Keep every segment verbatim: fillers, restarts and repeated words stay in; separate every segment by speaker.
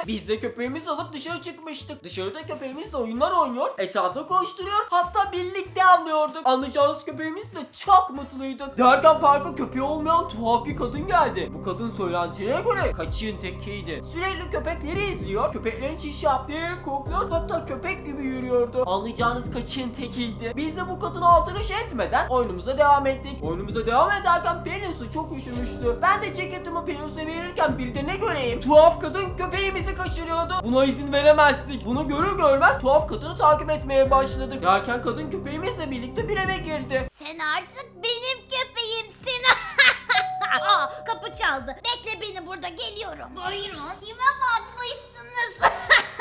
Speaker 1: Biz de köpeğimizi alıp dışarı çıkmıştık. Dışarıda köpeğimizle oyunlar oynuyor, etrafta koşturuyor, hatta birlikte avlıyorduk. Anlayacağınız köpeğimiz de çok mutluydu. Derken parka köpeği olmayan tuhaf bir kadın geldi. Bu kadın söylentilere göre kaçığın tekiydi. Sürekli köpekleri izliyor, köpeklerin çiş yaptığı yeri kokluyor, hatta köpek gibi yürüyordu. Anlayacağınız kaçığın tekiydi. Biz de bu kadına aldırış etmeden oyunumuza devam ettik. Oyunumuza devam ederken Pelinsu çok üşümüştü. Ben de ceketimi Pelinsu'ya verirken bir de ne göreyim? Tuhaf kadın köpeğimizi kaçırıyordu. Buna izin veremezdik. Bunu görür görmez tuhaf kadını takip etmeye başladık. Derken kadın köpeğimizle birlikte bir eve girdi.
Speaker 2: Sen artık benim köpeğimsin. Aa, kapı çaldı. Bekle beni burada, geliyorum. Buyurun. Kime bakmıştınız?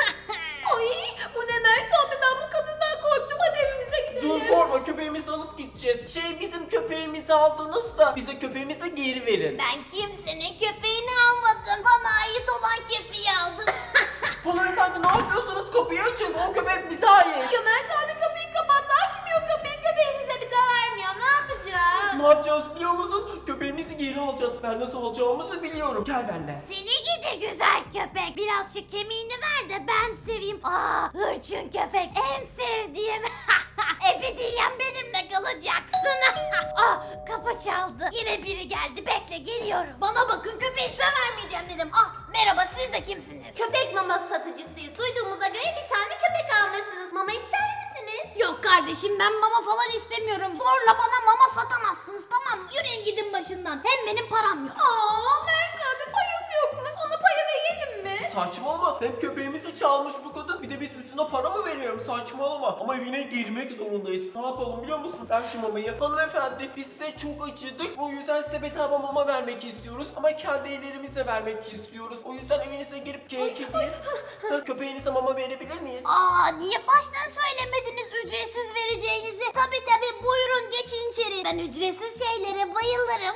Speaker 2: Ay, bu ne Mert abi, ben bu kadından korktum. Hadi evimize gidelim.
Speaker 1: Dur korkma, köpeğimizi alıp gideceğiz. Şey, bizim köpeğimizi aldınız da bize köpeğimizi geri verin.
Speaker 2: Ben kimsenin köpeğini almadım. Bana ait olan köpeği aldım.
Speaker 1: Hanımefendi ne yapıyorsunuz? Kapıyı açın. O köpek bize ait.
Speaker 2: Ya Mert abi kapıyı kapattı, açmıyor kapıyı. Köpeğimize bir daha vermiyor. Ne yapacağız?
Speaker 1: Ne yapacağız biliyor musun? Köpeğimizi geri alacağız. Ben nasıl alacağımızı biliyorum. Gel benimle.
Speaker 2: Seni gidi güzel köpek. Biraz şu kemiğini ver de ben seveyim. Aa, hırçın köpek en sevdiğim. Ebediyen benimle kalacaksın. Ah, kapı çaldı. Yine biri geldi. Bekle, geliyorum. Bana bakın, köpeği size vermeyeceğim dedim. Ah, merhaba, siz de kimsiniz? Köpek maması satıcısıyız. Duyduğumuza göre bir tane köpek almışsınız. Mama ister misiniz? Yok kardeşim, ben mama falan istemiyorum. Zorla bana mama satamazsınız, tamam mı? Yürüyün gidin başından. Hem benim param yok. Aa, Mert abi payası yokmuş. Ona paya verelim mi?
Speaker 1: Saçmalama. Hem köpeğimizi çalmış bu kadın. Bir de biz üstüne para mı veriyorum? Saçmalama. Ama evine girmek zorundayız. Ne yapalım biliyor musun? Ver şu mamayı. Hanımefendi, biz size çok acıdık. O yüzden size bedava mama vermek istiyoruz. Ama kendi ellerimizle vermek istiyoruz. O yüzden evinize girip kek edip köpeğinize mama verebilir miyiz?
Speaker 2: Aa, niye baştan söylemediniz ücretsiz vereceğinizi? Tabi tabi, buyurun geçin içeri. Ben ücretsiz şeylere bayılırım.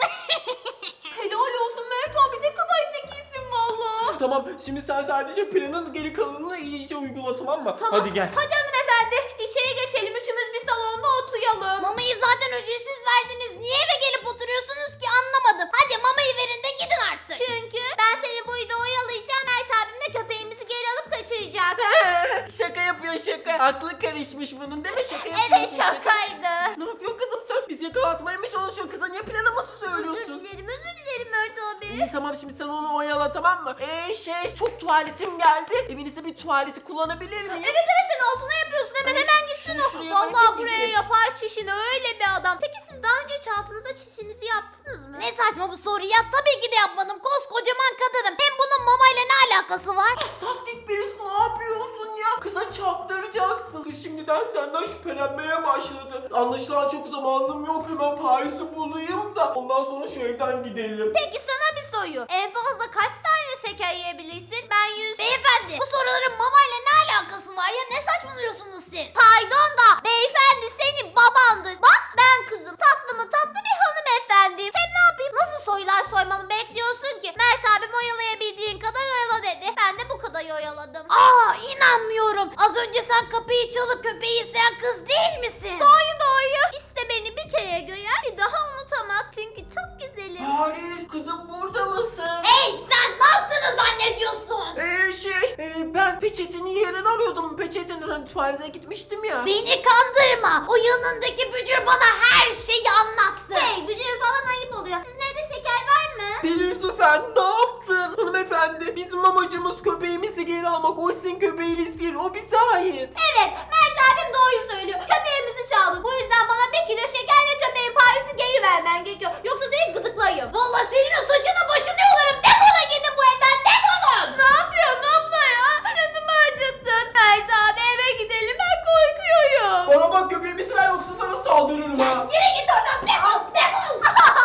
Speaker 2: Helal olsun Mert abi, ne kadar zekisin valla.
Speaker 1: Tamam, şimdi sen sadece planın geri kalanını iyice uygula, tamam mı?
Speaker 2: Tamam.
Speaker 1: Hadi gel.
Speaker 2: Hadi hanımefendi, içeri geçelim, üçümüz bir salonda oturalım. Mamayı zaten ücretsiz verdiniz. Niye eve gelip oturuyorsunuz ki, anlamadım. Hadi mamayı verin de gidin artık. Çünkü ben seni burada oyalayacağım. Mert abim de köpeğimizi geri alıp kaçıracak.
Speaker 1: Şaka yapıyor, şaka. Aklı karışmış bunun değil mi? Şaka
Speaker 2: Evet,
Speaker 1: yapıyorsun. şaka.
Speaker 2: şakaydı.
Speaker 1: Ne yapıyorsun kızım sen? Biz yakalatmaya mı çalışıyorsun? Kıza niye planımızı
Speaker 2: Özür
Speaker 1: söylüyorsun?
Speaker 2: dilerim, özür dilerim Mert abi.
Speaker 1: İyi tamam, şimdi sen onu oyala, tamam mı? Eee şey, çok tuvaletim geldi. Evinizde bir tuvaleti kullanabilir miyim?
Speaker 2: Evet evet, sen altına yapıyorsun, hemen
Speaker 1: Evet,
Speaker 2: hemen gitsin
Speaker 1: şunu
Speaker 2: o.
Speaker 1: şuraya
Speaker 2: Vallahi
Speaker 1: bırakayım,
Speaker 2: buraya
Speaker 1: gideyim.
Speaker 2: yapar çişini, öyle bir adam. Peki siz daha önce hiç altınıza çişinizi yaptınız mı? Ne saçma bu soru ya, tabii ki de yapmadım. Koskocaman kadınım. Hem bunun mamayla ne alakası var?
Speaker 1: Saftik birisi, ne yapıyorsun ya? Kıza çaktıracaksın. Kız şimdiden senden şüphelenmeye başladı. Anlaşılan çok zamanım yok. Hemen Paris'i bulayım da ondan sonra şu evden gidelim.
Speaker 2: Peki sana bir soru. En fazla kaç tane şeker yiyebilirsin? Ben yüz. Beyefendi, bu soruların mamayla ne alakası var ya? Ne saçmalıyorsunuz siz? Pardon da beyefendi senin babandır. Bak ben kızım, tatlı mı tatlı bir hanımefendiyim. Hem ne yapayım? Nasıl soylar soymamı bekliyorsun ki? Mert abim oyalayabildiğin kadar oyala dedi. Ben de bu kadar oyaladım. Aa, inanmıyorum. Az önce sen kapıyı çalıp köpeği isteyen kız değil misin? Doğru doğru. İşte beni bir kere gören bir daha unutamaz. Çünkü çok güzelim.
Speaker 1: Paris, kızım burada mısın?
Speaker 2: Hey, sen ne yaptığını zannediyorsun?
Speaker 1: Eee şey, e, ben peçetini yerini arıyordum. Peçetenin hani tuvalete gitmiştim ya.
Speaker 2: Beni kandırma. O yanındaki bücür bana her şeyi anlattı. Hey, bücür falan ayıp oluyor. Sizin evde şeker var mı?
Speaker 1: Pelinsu, sen ne yaptın? Hanımefendi, bizim amacımız köpeğimizi geri almak. O sizin köpeğiniz değil, o bize ait.
Speaker 2: Evet, Mert abim doğru söylüyor. Köpeğimizi çaldın. Bu yüzden bana bir kilo şeker ve köpeğin Paris'i geri vermen gerekiyor. Yoksa seni gıdıklayayım. Valla senin o saçını başını yolarım. Defolun gidin bu evden, defolun. Ne yapıyorsun abla ya? Canımı acıttın. Mert abi, eve gidelim, ben korkuyorum.
Speaker 1: Bana bak, köpeğimizi ver yoksa sana saldırırım ha.
Speaker 2: Yürü git oradan, defol, defol.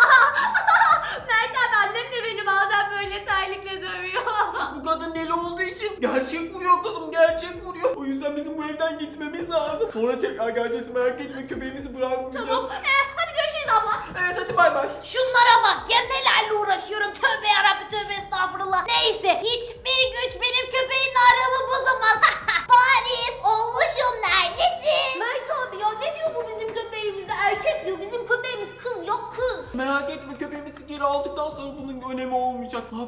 Speaker 2: Mert abi, annem de beni bazen böyle terlikle dövüyor.
Speaker 1: Bu kadın deli olduğu için gerçek vuruyor kızım, gerçek vuruyor. O yüzden bizim bu evden gitmemiz lazım. Sonra tekrar geleceğiz, merak etme, köpeğimizi bırakmayacağız.
Speaker 2: Tamam, ee, hadi görüşürüz abla.
Speaker 1: Evet, hadi bay bay.
Speaker 2: Şunlara bak ya, nelerle uğraşıyorum. Tövbe yarabbim, tövbe estağfurullah. Neyse, hiçbir güç benim köpeğin aramı bozamaz. Paris, oğluşum neredesin? Mert abi ya, ne diyor bu bizim köpeğimize? Erkek diyor, bizim köpeğimiz kız, yok kız.
Speaker 1: Merak etme, köpeğimizi geri aldıktan sonra bunun bir önemi olmayacak. Ne yapacağız?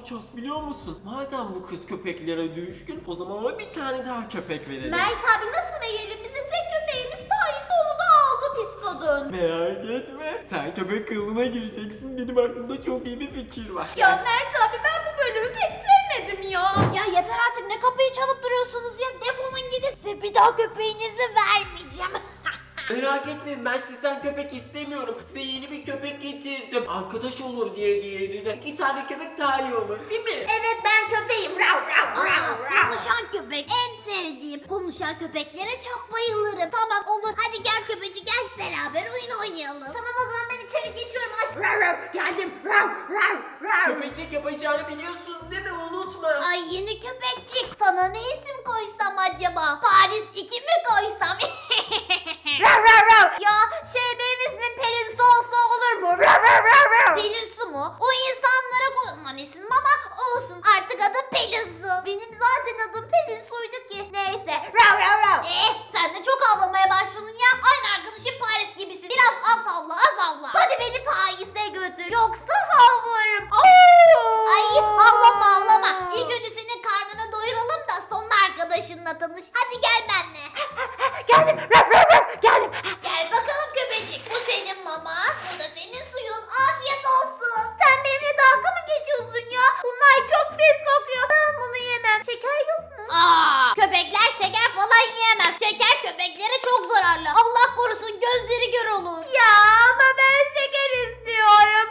Speaker 1: yapacağız biliyor musun? Madem bu kız köpeklere düşkün, o zaman ona bir tane daha köpek verelim.
Speaker 2: Mert abi nasıl verelim? Bizim tek köpeğimiz Paris, onu da aldı pis kadın.
Speaker 1: Merak etme. Sen köpek kılığına gireceksin. Benim aklımda çok iyi bir fikir var.
Speaker 2: Ya Mert abi ben bu bölümü pek sevmedim ya. Ya yeter artık, ne kapıyı çalıp duruyorsunuz ya, defolun gidin. Size bir daha köpeğinizi vermeyeceğim.
Speaker 1: Merak etmeyin, ben sizden köpek istemiyorum. Size yeni bir köpek getirdim. Arkadaş olur diye diğerine. İki tane köpek daha iyi olur değil mi?
Speaker 2: Evet, ben köpeğim. Rav, rav, rav, rav. Konuşan köpek en sevdiğim. Konuşan köpeklere çok bayılırım. Tamam olur, hadi gel köpeci gel, beraber oyun oynayalım. Tamam o zaman ben içeri geçiyorum. Ay, rav, rav, geldim. Rav, rav, rav.
Speaker 1: Köpecik yapacağını biliyorsun değil mi? Unutma.
Speaker 2: Ay yeni köpekçik, sana ne isim koysam acaba? Paris iki mi koysam? Rav rav rav. Ya şey, benim ismim Pelin Su olsa olur mu? Rav rav rav rav. Pelin Su mu? O insanlara koyulan isim ama olsun, artık adım Pelin Su. Benim zaten adım Pelin Su'ydu ki. Neyse. Rav rav rav. Eee sen de çok avlamaya başladın ya. Aynı arkadaşım Paris gibisin. Biraz az avla, az avla. Hadi beni Paris'e götür, yoksa havlarım. Ay havlama havlama. İlk önce senin karnını doyuralım da sonra arkadaşınla tanış. Hadi gel benimle. Geldim. Rav rav rav. Geldim. Gel bakalım köpecik. Bu senin maman, bu da senin suyun. Afiyet olsun. Sen benimle dalga mı geçiyorsun ya? Bunlar çok pis kokuyor. Ben bunu yemem. Şeker yok mu? Aa, köpekler şeker falan yiyemez. Şeker köpeklere çok zararlı. Allah korusun, gözleri kör olur. Ya ama ben şeker istiyorum.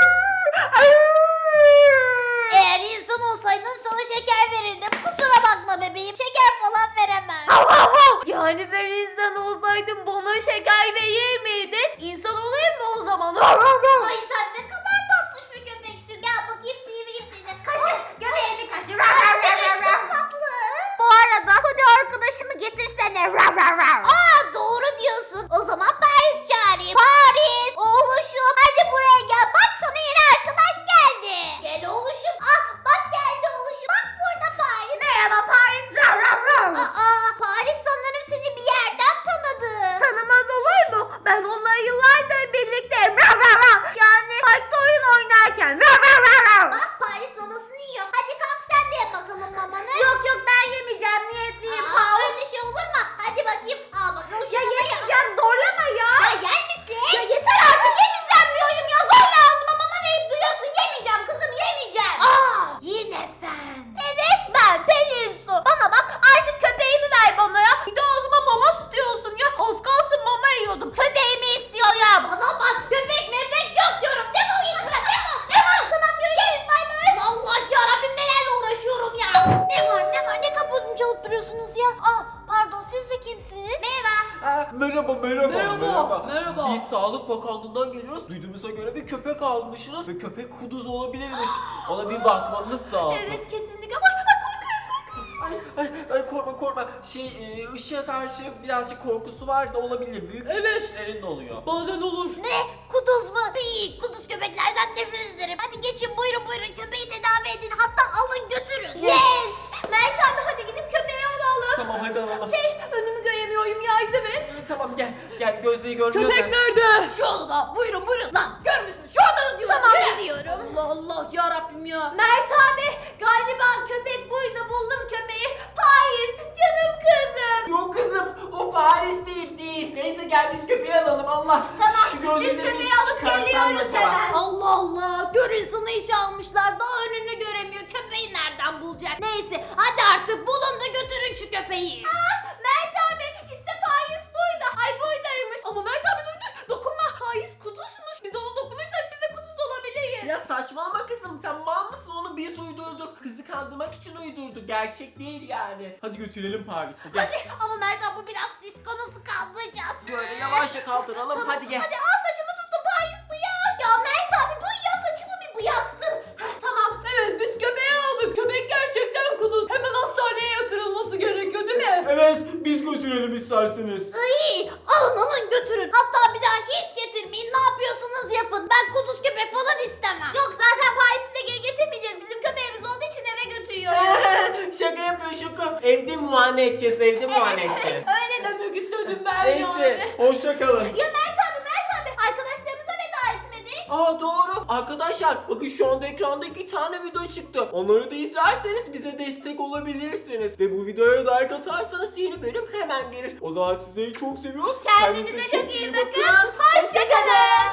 Speaker 2: Eğer insan olsaydın sana şeker verirdim. Kusura bakma bebeğim, şeker falan veremem.
Speaker 3: Yani ben insan olsaydım bana şeker verir miydin? İnsan olayım mı o zaman?
Speaker 2: Ay sen ne kadar tatlış bir köpeksin. Gel bakayım, seveyim seni. Kaşı, göbeğimi kaşı. Ay bebek çok tatlı. Bu arada hadi arkadaşımı getirsene. Aa doğru diyorsun. O zaman Paris çağırayım. Paris, oğluşum hadi buraya gel. Bak sana yeni arkadaş geldi. Gel oğluşum. Ah bak geldi oğluşum. Bak burada Paris. Merhaba Paris. Aa Paris sanırım seni bir yerden tanıdı.
Speaker 3: Tanımaz olur mu? Ben onunla yıllardır birlikteyim. Yani parkta oyun oynarken.
Speaker 2: Bak Paris mamasını yiyor. Hadi kalk sen de ye bakalım mamanı.
Speaker 3: Yok yok, ben yemeyeceğim, niyetliyim.
Speaker 2: Aa, öyle şey olur mu? Hadi bakayım. Al bakalım.
Speaker 3: Ya
Speaker 2: şunu da ye.
Speaker 3: yemeyeceğim, zorlama ya.
Speaker 2: Ya yer misin? Ya yeter artık, yemeyeceğim diyorum ya. Zorla ağzıma mama verip duyuyorsun. Yemeyeceğim kızım, yemeyeceğim. Aa,
Speaker 3: Yine sen.
Speaker 2: evet ben Pelin Su. Bana bak, artık köpeğimi ver bana ya.
Speaker 3: Bir de ağzıma mama tutuyorsun ya. Az kalsın mama yiyordum.
Speaker 2: Köpeğimi istiyor ya. Bana bak, köpek mepek yok diyorum. Defol git buradan, defol, defol. Tamam görüşürüz, bay bay. Allah yarabbim, nelerle uğraşıyorum ya. Ne var ne var, ne kapısını çalıp duruyorsunuz ya. Aa pardon, siz de kimsiniz? Merhaba.
Speaker 1: Ha, merhaba, merhaba,
Speaker 3: Merhaba, merhaba.
Speaker 1: Biz Sağlık Bakanlığı'ndan geliyoruz. Duyduğumuza göre bir köpek almışsınız ve köpek kuduz olabilirmiş. Ona bir bakmamız lazım.
Speaker 3: Evet kesinlikle. Bak bak korkuyorum bak.
Speaker 1: Ay, ay, ay korkma korkma. Şey, e, ışığa karşı birazcık korkusu var da olabilir. Büyük
Speaker 3: Evet.
Speaker 1: kişilerin de oluyor.
Speaker 3: Bazen olur.
Speaker 2: Ne? Kuduz mu? İyi, kuduz köpeklerden nefret ederim. Hadi geçin, buyurun buyurun, köpeği tedavi edin. Hatta alın götürün. Yes! Mert abi hadi gidip köpeği alalım.
Speaker 1: Tamam hadi alalım.
Speaker 3: Şey, önümü göremiyorum, yardım et.
Speaker 1: Tamam gel gel, gözleri görmüyor
Speaker 3: Köpek
Speaker 1: da.
Speaker 3: nerede?
Speaker 2: Şu odada, buyurun buyurun. Lan görmüşsün, şu odada diyorum. Tamam gidiyorum.
Speaker 3: Allah Allah ya Rabbim ya.
Speaker 2: Mert abi, galiba köpek buydu, buldum köpeği. Paris, canım kızım.
Speaker 1: Yok kızım, o Paris değil değil. Neyse gel biz köpeği alalım Allah.
Speaker 2: Tamam,
Speaker 1: Şu
Speaker 2: biz
Speaker 1: gözleri
Speaker 2: köpeği
Speaker 1: bir
Speaker 2: alıp
Speaker 1: çıkarsan
Speaker 2: geliyoruz
Speaker 1: acaba?
Speaker 2: hemen.
Speaker 3: Allah Allah, gör insanı işe almışlar, daha önünü göremiyor, köpeği nereden bulacak? Neyse, hadi artık bulun da götürün şu köpeği.
Speaker 2: Mert abi, işte Paris buydu.
Speaker 3: Ay buydaymış. Ama Mert abi duydu, dokunma. Haiz kuduzmuş, biz ona dokunursak biz de kuduz olabiliriz.
Speaker 1: Ya saçmalama kızım, sen mal mısın? Onu biz uydurduk. Kızı kandırmak için uydurduk. Gerçek değil yani. Hadi götürelim Paris'i gel.
Speaker 2: Hadi ama Mert abi, bu biraz disco, nasıl kaldıracağız?
Speaker 1: Böyle yavaşça kaldıralım hadi gel.
Speaker 2: Hadi al, saçımı tuttu Paris bıyık. Ya Mert abi duy ya, saçımı bir bıyaksın.
Speaker 3: Tamam, evet biz köpeği aldık. Köpek gerçekten kuduz. Hemen hastaneye yatırılması gerekiyor değil mi?
Speaker 1: Evet, biz götürelim isterseniz.
Speaker 2: İyi, alın alın götürün. Hatta bir daha hiç getirmeyin. Ne yapıyorsunuz yapın. Ben kuduz köpek falan istemem. Yok zaten Paris'i de geri getirmeyeceğiz. Bizim köpeğimiz olduğu için eve götürüyoruz.
Speaker 1: Şaka yapıyor şaka. Evde muayene edeceğiz, evde muayene edeceğiz.
Speaker 3: Öyle demek istedim ben
Speaker 1: Neyse,
Speaker 3: yani.
Speaker 1: hoşça kalın.
Speaker 2: Ya Mert abi, Mert abi, arkadaşlarımıza veda etmedik.
Speaker 1: Aa doğru. Arkadaşlar bakın şu anda ekranda iki tane video çıktı. Onları da izlerseniz bize destek olabilirsiniz. Ve bu videoya like atarsanız yeni bölüm hemen gelir. O zaman sizleri çok seviyoruz.
Speaker 3: Kendinize çok iyi bakın.